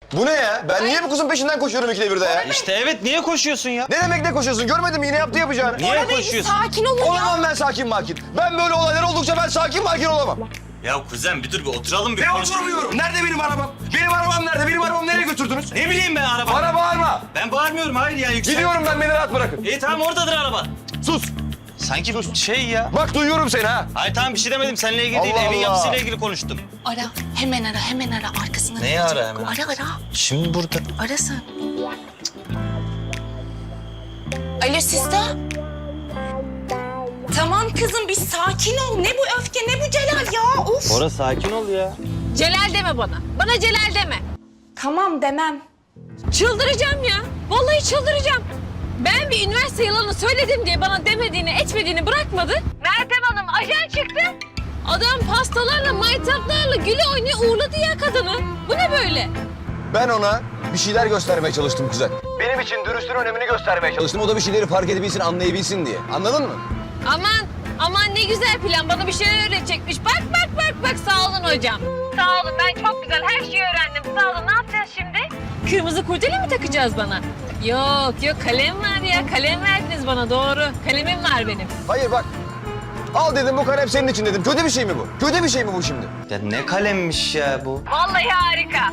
Bu ne ya? Ben niye bu kızın peşinden koşuyorum ikide birde ya? İşte evet, niye koşuyorsun ya? Ne demek ne koşuyorsun? Görmedin mi yine yaptı yapacağını? Niye koşuyorsun? Sakin olun ya. Olamam ben sakin makin. Ben böyle olaylar oldukça ben sakin makin olamam. Ya kuzen bir dur, bir oturalım bir Ne konuşalım. oturmuyorum? Nerede benim arabam? Benim arabam nerede? Benim arabamı nereye götürdünüz? Ne bileyim ben araba. Bana bağırma. Ben bağırmıyorum, hayır ya, yüksel. Gidiyorum ben, beni rahat bırakın. İyi tamam, oradadır araba. Sus. Sanki şey ya. Bak duyuyorum seni ha. Hayır tamam, bir şey demedim, seninle ilgili değil, Allah evin Allah. yapısıyla ilgili konuştum. Ara, hemen ara, hemen ara. Arkasında Neyi gelecek. ara hemen? Ara. Şimdi burada. Ara sen. Alo Sista. Tamam kızım, bir sakin ol. Ne bu öfke, ne bu Celal ya? Of. Bora sakin ol ya. Celal deme bana. Bana Celal deme. Tamam demem. Çıldıracağım ya. Vallahi çıldıracağım. Ben bir üniversite yalanı söyledim diye bana demediğini, etmediğini bırakmadı. Meltem Hanım ajan çıktı. Adam pastalarla, maytaplarla güle oynaya uğurladı ya kadını. Bu ne böyle? Ben ona bir şeyler göstermeye çalıştım kuzen. Benim için dürüstlüğün önemini göstermeye çalıştım. O da bir şeyleri fark edebilsin, anlayabilsin diye. Anladın mı? Aman ne güzel plan. Bana bir şeyler öğretecekmiş. Bak sağ olun hocam. Sağ olun, ben çok güzel her şeyi öğrendim. Sağ olun, ne yapacağız şimdi? Kırmızı kurdele mi takacağız bana? Yok kalem var ya. Kalem verdiniz bana, doğru. Kalemim var benim. Hayır bak. Al dedim, bu kalem senin için dedim. Kötü bir şey mi bu? Kötü bir şey mi bu şimdi? Ya ne kalemmiş ya bu. Vallahi harika.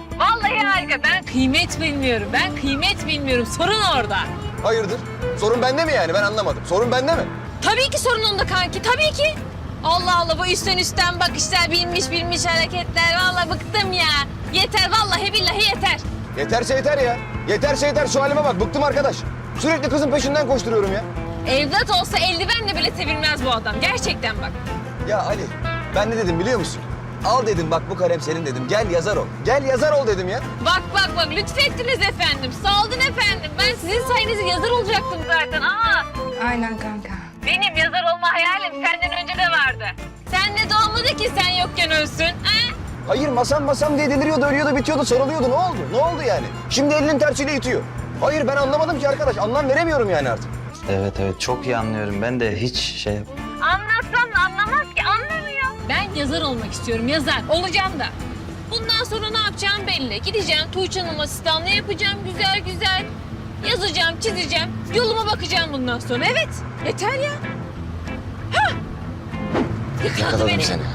Ben kıymet bilmiyorum. Sorun orada. Hayırdır? Sorun bende mi yani? Ben anlamadım. Sorun bende mi? Tabii ki sorun onda kanki, tabii ki. Allah bu üstten bakışlar, bilmiş hareketler. Vallahi bıktım ya. Yeter, vallahi billahi yeter. Yeterse yeter ya. Yeterse yeter. Şu halime bak. Bıktım arkadaş. Sürekli kızın peşinden koşturuyorum ya. Evlat olsa eldivenle bile sevilmez bu adam. Gerçekten bak. Ya Ali, ben ne dedim biliyor musun? Al dedim, bak bu kalem senin dedim. Gel yazar ol. Gel yazar ol dedim ya. Bak lütfettiniz efendim. Sağ olun efendim. Ben sizin sayenizde yazar olacaktım zaten. Aynen kanka. Benim yazar olma hayalim senden önce de vardı. Sen de doğmadı ki sen yokken ölsün. Ha? Hayır, masam diye deliriyordu, ölüyordu, bitiyordu, sarılıyordu. Ne oldu? Ne oldu yani? Şimdi elinin tersiyle itiyor. Hayır, ben anlamadım ki arkadaş. Anlam veremiyorum yani artık. Evet çok iyi anlıyorum, ben de hiç şey... Anlatsam da anlamaz ki, anlamıyor. Ben yazar olmak istiyorum, yazar. Olacağım da. Bundan sonra ne yapacağım belli. Gideceğim Tuğçe Hanım asistanlığı yapacağım güzel. Yazacağım, çizeceğim. Yoluma bakacağım bundan sonra. Evet, yeter ya. Hah! Yakaladı beni. seni.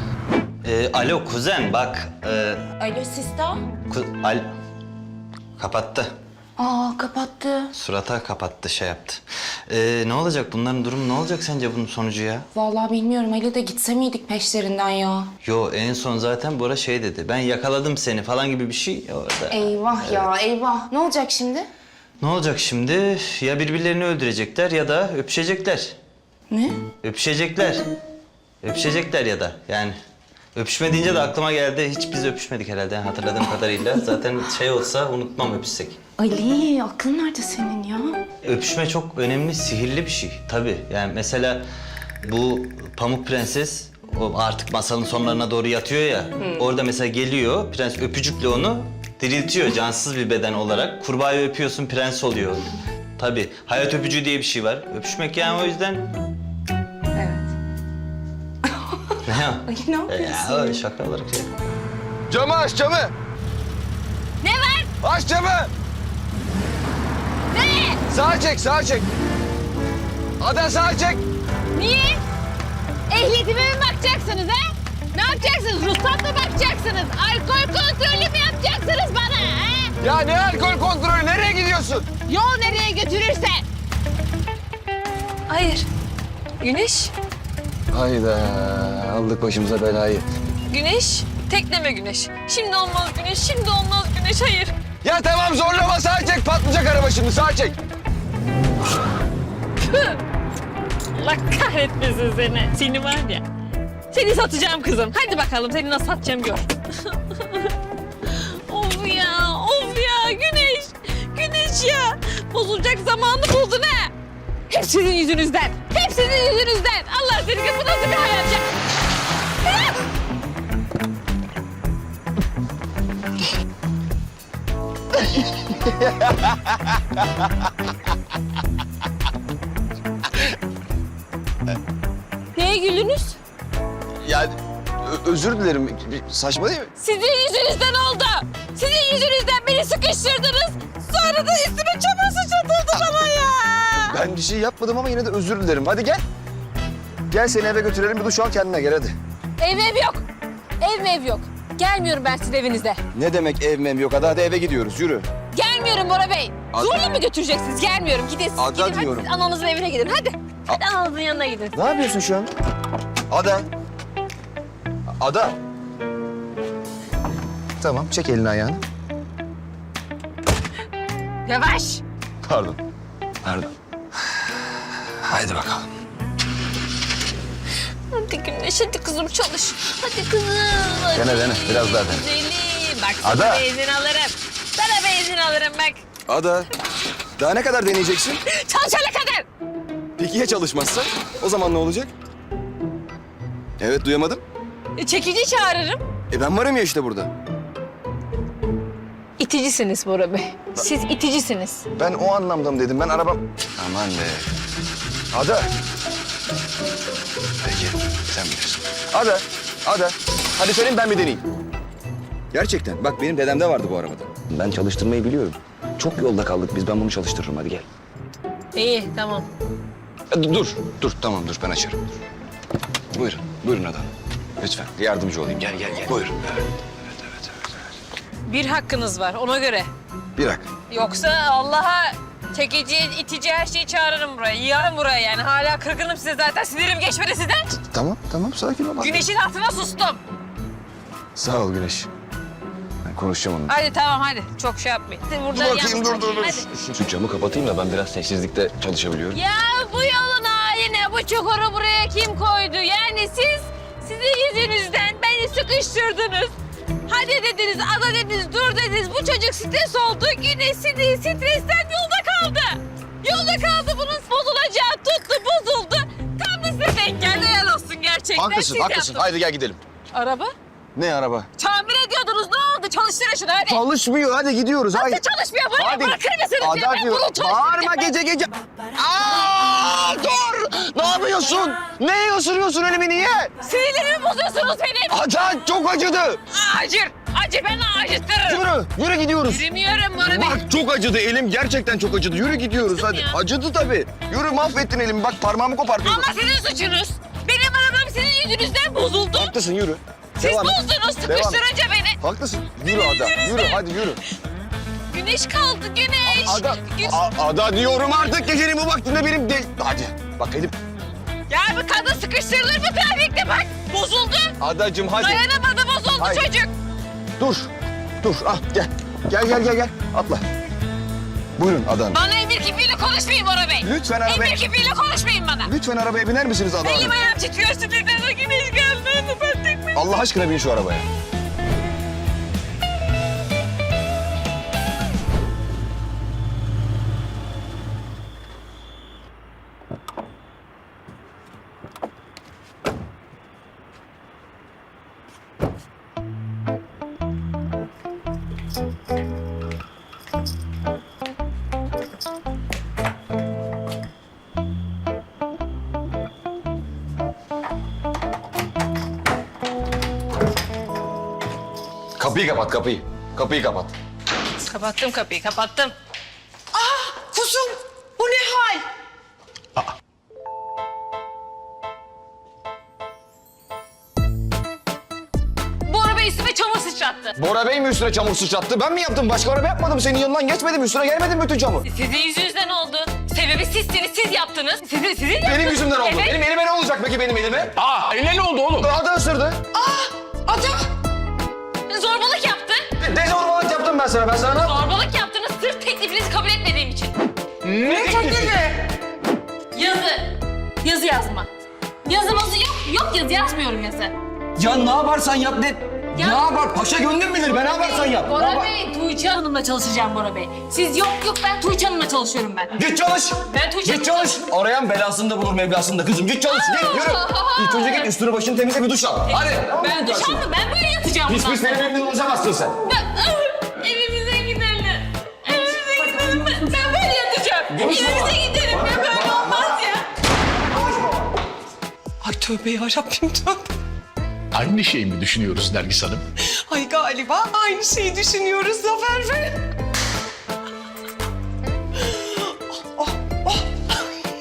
Alo kuzen bak. Alo Sista. Kapattı. Kapattı. Surata kapattı, şey yaptı. Ne olacak bunların durumu, ne olacak sence bunun sonucu ya? Vallahi bilmiyorum. Ali de gitse miydik peşlerinden ya? Yo, en son zaten Bora şey dedi. Ben yakaladım seni falan gibi bir şey orada. Eyvah ya eyvah. Ne olacak şimdi? Ne olacak şimdi? Ya birbirlerini öldürecekler ya da öpüşecekler. Ne? Öpüşecekler. Öpüşecekler ya da yani. Öpüşme deyince de aklıma geldi. Hiç biz öpüşmedik herhalde hatırladığım kadarıyla. Zaten şey olsa unutmam öpüşsek. Ali aklın nerede senin ya? Öpüşme çok önemli, sihirli bir şey. Tabii yani mesela bu Pamuk Prenses o artık masalın sonlarına doğru yatıyor ya. Orada mesela geliyor, prens öpücükle onu diriltiyor cansız bir beden olarak. Kurbağayı öpüyorsun, prens oluyor. Tabii hayat öpücüğü diye bir şey var. Öpüşmek yani o yüzden... Evet. Ne ya? Ali ne yapıyorsun? Ya öyle şaka olarak şey. Camı aç, camı. Ne var? Aç camı. Ne? Sağa çek. Ada sağa çek. Niye? Ehliyetime mi bakacaksınız ha? Ne yapacaksınız? Ruhsat mı bakacaksınız? Alkol kontrolü mü yapacaksınız bana ha? Ya ne alkol kontrolü? Nereye gidiyorsun? Yol nereye götürürse. Hayır. Güneş. Hayda, aldık başımıza belayı. Güneş. Tekleme Güneş. Şimdi olmaz Güneş. Hayır. Ya tamam zorlama, sağa çek. Patlayacak araba şimdi, sağa çek. Allah kahretmesin seni. Seni var ya. Seni satacağım kızım. Hadi bakalım seni nasıl satacağım gör. Of ya Güneş ya. Bozulacak zamanı buldun ha. Hep sizin yüzünüzden. Allah seni, bu nasıl bir hayat ya? Ha! Neye gülünüz? Ya özür dilerim. Saçma değil mi? Sizin yüzünüzden oldu. Sizin yüzünüzden beni sıkıştırdınız. bir şey yapmadım ama yine de özür dilerim. Hadi gel. Gel seni eve götürelim, bir duş al kendine gel hadi. Ev yok. Ev yok. Gelmiyorum ben sizin evinize. Ne demek ev mem yok? Hadi eve gidiyoruz, yürü. Gelmiyorum Bora Bey. Ada- Zorla mı götüreceksiniz? Gelmiyorum. Gidin siz. Ada Gidin. Hadi diyorum. siz ananızın evine gidin. Hadi. Hadi ananızın yanına gidin. Ne yapıyorsun şu an? Ada. Ada. Tamam, çek elini ayağını. Yavaş. Pardon. Pardon. Haydi bakalım. Hadi Güneş, hadi kızım çalış. Hadi kızım. Hadi. Dene, biraz daha dene. Güzelim. Bak sana Ada. benzin alırım. Sana benzin alırım bak. Ada. Daha ne kadar deneyeceksin? Çalışana kadar. Peki ya çalışmazsa? O zaman ne olacak? Evet, duyamadım. Çekici çağırırım. Ben varım ya işte burada. İticisiniz Bora Bey. Siz iticisiniz. Ben o anlamda mı dedim? Ben arabam... Aman be. Ada. Peki, sen bilirsin. Ada. Hadi senin ben bir deneyeyim. Gerçekten. Bak benim dedemde vardı bu arabada. Ben çalıştırmayı biliyorum. Çok yolda kaldık biz. Ben bunu çalıştırırım. Hadi gel. İyi, tamam. Dur. Tamam dur. Ben açarım. Dur. Buyurun Ada. Lütfen yardımcı olayım. Gel. Buyurun. Evet. Bir hakkınız var ona göre. Bir dakika. Yoksa Allah'a çekici, itici her şeyi çağırırım buraya. Yığarım buraya yani. Hala kırgınım size zaten. Sinirim geçmedi sizden. Tamam. Sakin ol. Güneşin altına sustum. Sağ ol Güneş. Ben konuşacağım onunla. Hadi tamam hadi. Çok şey yapmayın. Burada yalnız- Hadi. Şu camı kapatayım da ben biraz sessizlikte çalışabiliyorum. Ya bu yolun haline, bu çukuru buraya kim koydu? Yani sizin yüzünüzden beni sıkıştırdınız. Hadi dediniz, ada dediniz, dur dediniz. Bu çocuk stres oldu. Güneş stresten yolda kaldı. Yolda kaldı. Bunun bozulacağı tuttu, bozuldu. Tam da size denk geldi. Helal olsun gerçekten. Haklısın. Siz yaptınız. Haydi gel gidelim. Araba? Ne araba? Tamir ediyordunuz. Ne oldu? Çalıştırın şunu hadi. Çalışmıyor. Hadi gidiyoruz. Nasıl Haydi. çalışmıyor? Buraya bırakır mısınız? ya? Ada Ben diyor. bunu çalıştıracağım. Bağırma gece. Dur. Ne yapıyorsun? Neye ısırıyorsun elimi niye? Sinirlerimi bozuyorsunuz benim. Ada çok acıdı. Acı ben acıtırım. Yürü gidiyoruz. Yürümüyorum Bora Bey. Bak çok acıdı elim gerçekten çok acıdı. Yürü gidiyoruz hadi. ya. Acıdı tabii. Yürü mahvettin elimi. Bak parmağımı kopartıyordun. Ama sizin suçunuz. Benim arabam sizin yüzünüzden bozuldu. Haklısın yürü. Siz Devam et. bozdunuz Devam et. sıkıştırınca beni. Haklısın. Yürü Ada. Yürü hadi yürü. Güneş kaldı güneş. Ada. Gü- Ada diyorum artık gecenin bu vaktinde benim de... Hadi. Bak elim. Ya bu kadın sıkıştırılır mı trafikte bak. Bozuldu. Adacığım hadi. Dayanamadı bozuldu Hayır. çocuk. Dur. Gel. Gel. Atla. Buyurun Ada Hanım. Bana emir kipiyle konuşmayın Bora Bey. Lütfen arabaya... Emir kipiyle konuşmayın bana. Lütfen arabaya biner misiniz Ada Hanım? Elim ayağım titriyor sinirden o güneş geldi. Ben tek mi? Allah aşkına bin şu arabaya. Kapıyı kapat kapıyı. Kapıyı kapat. Kapattım kapıyı kapattım. Kuzum bu ne hal? Bora Bey üstüme çamur sıçrattı. Bora Bey mi üstüne çamur sıçrattı? Ben mi yaptım? Başka araba yapmadım. Senin yanından geçmedim. Üstüne gelmedim bütün çamur. Sizin yüzünüzden oldu. Sebebi sizsiniz, siz yaptınız. Sizin yaptınız. Benim yüzümden oldu. Evet. Benim elime ne olacak peki benim elime? Eline ne oldu oğlum? Ada ısırdı. Ada Zorbalık yaptı. Dezorbalık yaptım ben sana. Ben sana ne yaptım? Zorbalık yaptınız sırf teklifinizi kabul etmediğim için. ne teklifi? Yazı yazma. Yazımızı yok yazı yazmıyorum yazı. Ya ne yaparsan yap ne? Ya- Ne yapar? Paşa gönlüm bilir. Ben ne yaparsan yap. Ne Bora yapar- Bey, Tuğçe Hanım'la çalışacağım Bora Bey. Siz yok ben Tuğçe Hanım'la çalışıyorum ben. Git çalış. Ben Tuğçe Git çalış. Arayan belasını da bulur mevlasını da kızım. Git çalış. Git yürü. İlk önce git üstünü başını temizle bir duş al. Hadi. Ben duş aldım, ben böyle yatacağım Pis bundan pis benim sonra. evimden uzamazsın sen. Evimize gidelim. Evimize gidelim. Ben böyle yatacağım. Konuşma. Evimize gidelim. Ya böyle olmaz ya. Ay tövbe yarabbim tövbe. Aynı şeyi mi düşünüyoruz Nergis Hanım? Ay galiba aynı şeyi düşünüyoruz Zafer Bey. Oh.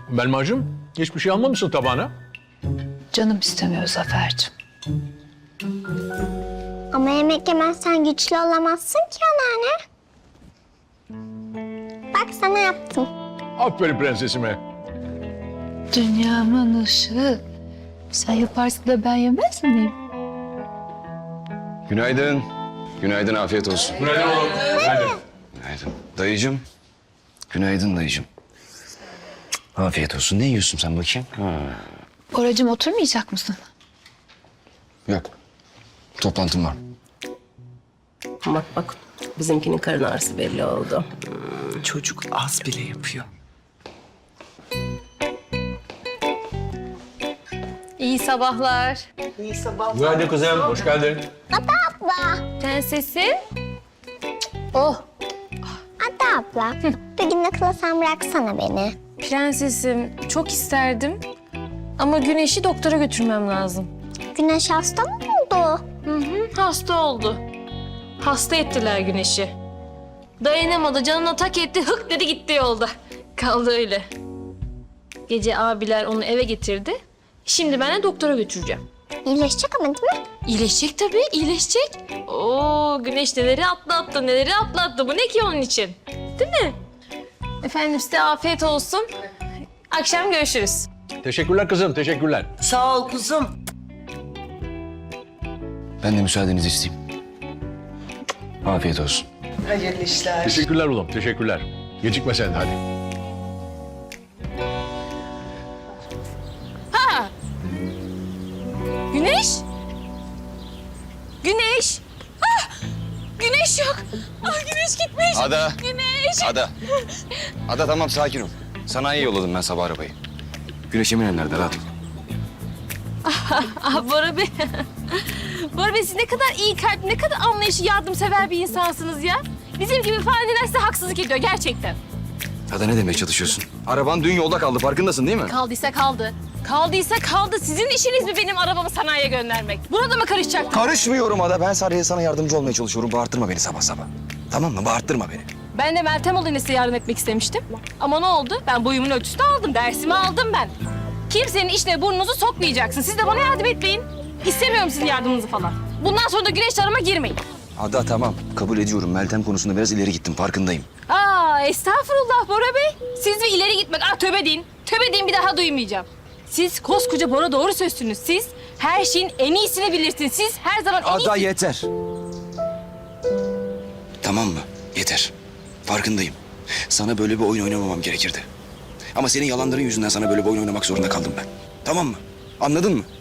Belmacığım, hiçbir şey almamışsın tabağına. Canım istemiyor Zafer'cim. Ama yemek yemezsen güçlü olamazsın ki anneanne. Bak sana yaptım. Aferin prensesime. Dünyamın ışığı. Sen yaparsın da ben yemez miyim? Günaydın. Günaydın, afiyet olsun. Günaydın oğlum. Günaydın. Günaydın. Dayıcım. Günaydın dayıcım. Afiyet olsun. Ne yiyorsun sen bakayım? Ha. Oracığım oturmayacak mısın? Yok. Toplantım var. Bak bak bizimkinin karın ağrısı belli oldu. Çocuk az bile yapıyor. İyi sabahlar. Günaydın kızım, hoş geldin. Prensesim. Oh, Hatta abla, bir gün akıla sen bıraksana beni. Prensesim çok isterdim. Ama Güneş'i doktora götürmem lazım. Güneş hasta mı oldu? Hasta oldu. Hasta ettiler Güneş'i. Dayanamadı, canına tak etti, hık dedi gitti yolda. Kaldı öyle. Gece abiler onu eve getirdi. Şimdi ben de doktora götüreceğim. İyileşecek ama değil mi? İyileşecek tabii, iyileşecek. Oo, Güneş neleri atlattı, neleri atlattı. Bu ne ki onun için? Değil mi? Efendim size afiyet olsun. Akşam görüşürüz. Teşekkürler kızım, teşekkürler. Sağ ol kuzum. Ben de müsaadenizi isteyeyim. Afiyet olsun. Hayırlı işler. Teşekkürler oğlum, teşekkürler. Gecikme sen de hadi. Güneş? Güneş? Ah! Güneş yok. Ah, Güneş gitmiş. Ada. Güneş. Ada. Ada tamam, sakin ol. Sanayiye yolladım ben sabah arabayı. Güneş Emine nerede? Rahat ol. Ah Bora Bey. Bora Bey siz ne kadar iyi kalp, ne kadar anlayışı, yardımsever bir insansınız ya. Bizim gibi faniler size haksızlık ediyor gerçekten. Ada ne demeye çalışıyorsun? Araban dün yolda kaldı, farkındasın değil mi? Kaldıysa kaldı. Kaldıysa kaldı. Sizin işiniz mi benim arabamı sanayiye göndermek? Buna da mı karışacak? Karışmıyorum Ada. Ben sadece sana yardımcı olmaya çalışıyorum. Bağırtırma beni sabah sabah. Tamam mı? Bağırtırma beni. Ben de Meltem olayına size yardım etmek istemiştim. Ama ne oldu? Ben boyumun ölçüsünü aldım. Dersimi aldım ben. Kimsenin işine burnunuzu sokmayacaksın. Siz de bana yardım etmeyin. İstemiyorum sizin yardımınızı falan. Bundan sonra da güneş arama girmeyin. Ada tamam. Kabul ediyorum. Meltem konusunda biraz ileri gittim. Farkındayım. Aa, estağfurullah Bora Bey. Siz bir ileri gitmek. Ah tövbe deyin. Tövbe deyin, bir daha duymayacağım. Siz koskoca Bora doğru sözsünüz. Siz her şeyin en iyisini bilirsiniz. Siz her zaman en Ada iyisini... yeter. Tamam mı? Yeter. Farkındayım. Sana böyle bir oyun oynamamam gerekirdi. Ama senin yalanların yüzünden sana böyle bir oyun oynamak zorunda kaldım ben. Tamam mı? Anladın mı?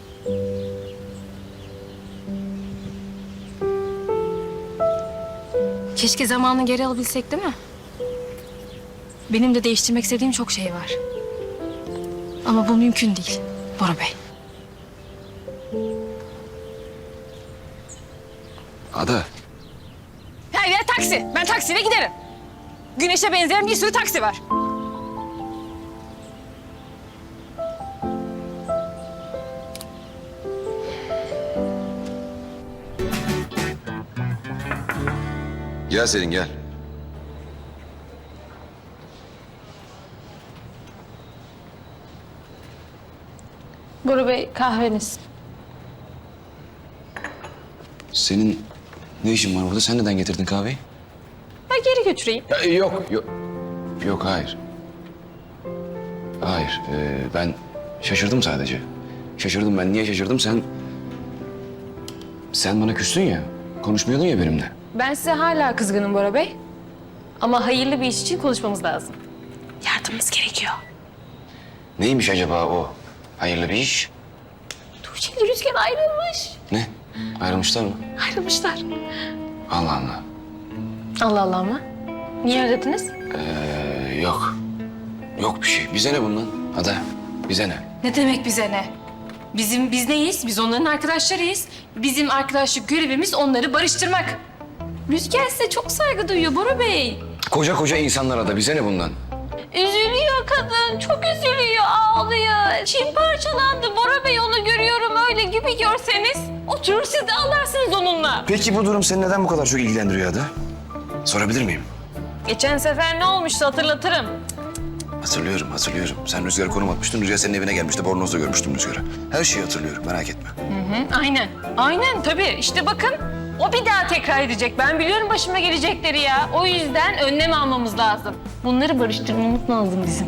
Keşke zamanı geri alabilsek değil mi? Benim de değiştirmek istediğim çok şey var. Ama bu mümkün değil Bora Bey. Ada. Her yer taksi. Ben taksiyle giderim. Güneşe benzeyen bir sürü taksi var. Gel Selin gel. Bora Bey kahveniz. Senin ne işin var burada? Sen neden getirdin kahveyi? Ben geri götüreyim. Yok, yok. Yok, hayır. Hayır, ben şaşırdım sadece. Şaşırdım ben. Niye şaşırdım? Sen bana küstün ya. Konuşmuyordun ya benimle. Ben size hala kızgınım Bora Bey. Ama hayırlı bir iş için konuşmamız lazım. Yardımımız gerekiyor. Neymiş acaba o hayırlı bir iş? Tuğçe ile Rüzgar ayrılmış. Ne? Ayrılmışlar mı? Ayrılmışlar. Allah Allah. Allah Allah mı? Niye aradınız? Yok. Yok bir şey. Bize ne bundan? Ada, bize ne? Ne demek bize ne? Biz neyiz? Biz onların arkadaşlarıyız. Bizim arkadaşlık görevimiz onları barıştırmak. Rüzgar size çok saygı duyuyor Bora Bey. Koca koca insanlar Ada. Bize ne bundan? Üzülüyor kadın, çok üzülüyor, ağlıyor. Çin parçalandı Bora Bey, onu görüyorum öyle gibi görseniz. Oturur siz de ağlarsınız onunla. Peki bu durum seni neden bu kadar çok ilgilendiriyor Ada? Sorabilir miyim? Geçen sefer ne olmuştu hatırlatırım. Hatırlıyorum. Sen Rüzgar'a konum atmıştın. Rüzgar senin evine gelmişti. Bornoz'da görmüştüm Rüzgar'ı. Her şeyi hatırlıyorum, merak etme. Aynen tabii. İşte bakın o bir daha tekrar edecek. Ben biliyorum başıma gelecekleri ya. O yüzden önlem almamız lazım. Bunları barıştırmamız lazım bizim.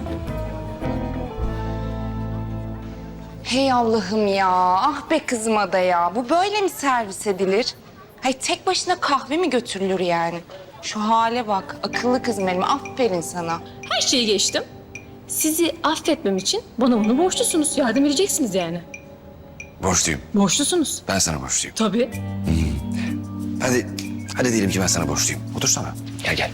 Hey Allah'ım ya. Ah be kızım Ada ya. Bu böyle mi servis edilir? Hay tek başına kahve mi götürülür yani? Şu hale bak. Akıllı kızım benim. Aferin sana. Her şeyi geçtim. Sizi affetmem için bana bunu borçlusunuz. Yardım edeceksiniz yani. Borçluyum. Borçlusunuz. Ben sana borçluyum. Tabii. Hadi diyelim ki ben sana borçluyum. Otursana. Gel.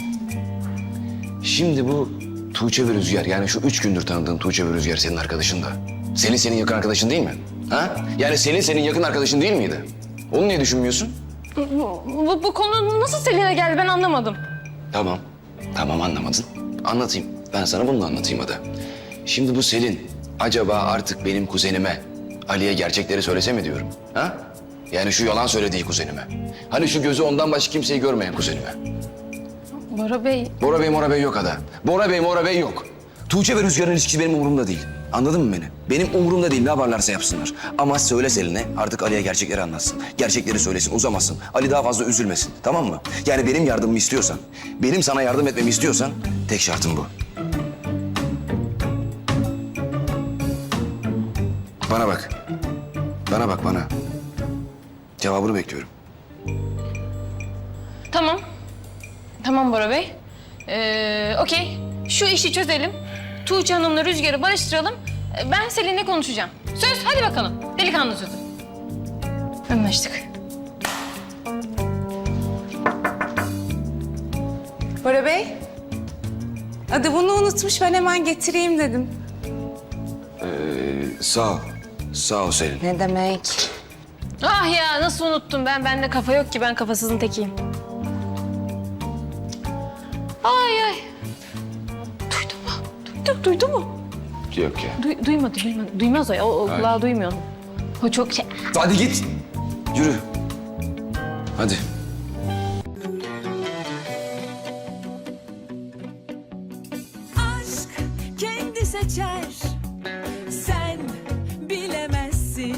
Şimdi bu Tuğçe ve Rüzgar, yani şu 3 gündür tanıdığın Tuğçe ve Rüzgar senin arkadaşın da. Selin senin yakın arkadaşın değil mi? Ha? Yani Selin senin yakın arkadaşın değil miydi? Onu niye düşünmüyorsun? Bu konu nasıl Selin'e geldi ben anlamadım. Tamam anlamadın. Anlatayım. Ben sana bunu da anlatayım Ada. Şimdi bu Selin acaba artık benim kuzenime Ali'ye gerçekleri söylese mi diyorum? Ha? Yani şu yalan söylediği kuzenime. Hani şu gözü ondan başka kimseyi görmeyen kuzenime. Bora Bey. Bora Bey yok Ada. Bora Bey yok. Tuğçe ve Rüzgar'ın ilişkisi benim umurumda değil. Anladın mı beni? Benim umurumda değil, ne yaparlarsa yapsınlar. Ama söyle Selin'e artık Ali'ye gerçekleri anlatsın. Gerçekleri söylesin, uzamasın. Ali daha fazla üzülmesin, tamam mı? Yani benim yardımımı istiyorsan, benim sana yardım etmemi istiyorsan tek şartım bu. Bana bak. Bana. Cevabını bekliyorum. Tamam Bora Bey. Okey. Şu işi çözelim. Tuğçe Hanım'la Rüzgar'ı barıştıralım. Ben Selin'le konuşacağım. Söz, hadi bakalım. Delikanlı sözü. Anlaştık. Bora Bey. Adı bunu unutmuş. Ben hemen getireyim dedim. Sağ ol Selin. Ne demek? Ah ya nasıl unuttum ben. Bende kafa yok ki. Ben kafasızın tekiyim. Ay. Duydu mu? Yok ya. Duymadı. Duymaz o ya. O kulağı duymuyor. O çok şey... Hadi git. Yürü. Hadi. Aşk kendi seçer